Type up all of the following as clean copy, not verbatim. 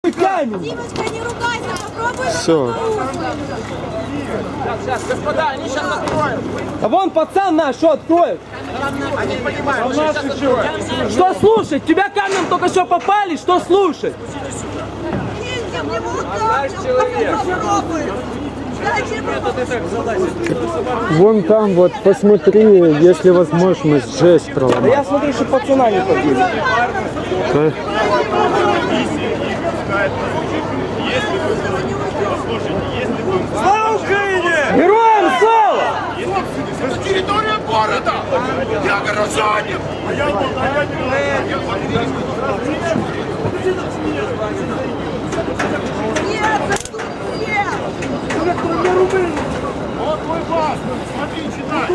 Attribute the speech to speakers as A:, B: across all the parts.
A: Димочка, не ругайся, попробуй.
B: Все.
C: Сейчас, господа, они сейчас откроют.
D: А вон пацан наш, что откроет?
C: Они понимают, что сейчас откроют.
D: Что слушать? Тебя камнем только что попали, что слушать?
A: Ездим, не вот попробуй. Дальше
B: Вон там вот, посмотри, если возможность, жесть
D: Да
B: проломать.
D: я смотрю, что пацана не побили.
B: Да.
D: Слава Украине! Героям слава!
E: Территория города! Я горожанин! Вот твой бас! Смотри, читай!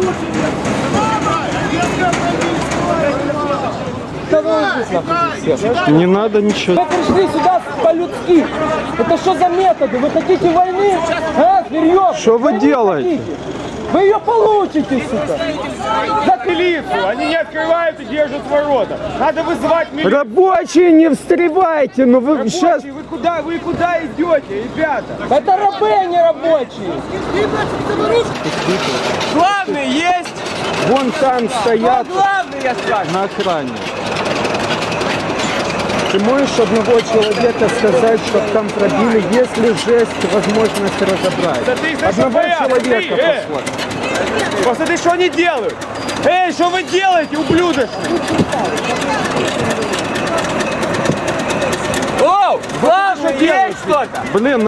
D: Да вы здесь нахуй все.
B: Не надо ничего.
D: Вы пришли сюда по-людски. Это что за методы? Вы хотите войны? А, зверьё?
B: Что вы делаете?
D: Вы ее получите, сука.
F: За милицию! Они не открывают и держат ворота. Надо вызывать милицию.
B: Рабочие, не встревайте, ну вы сейчас...
F: Вы куда идете, ребята?
D: Это рабы, а не рабочие.
F: Главный есть!
B: Вон там стоят
F: Главный, я спрашиваю!
B: на охране. Ты можешь одного человека сказать, чтобы там пробили, если жесть, возможность разобрать?
F: Да ты их
B: Одного
F: боятся,
B: человека
F: ты,
B: послать.
F: Посмотри, что они делают! Эй, что вы делаете, ублюдочки?
D: О, главное, есть кто-то.
B: Блин,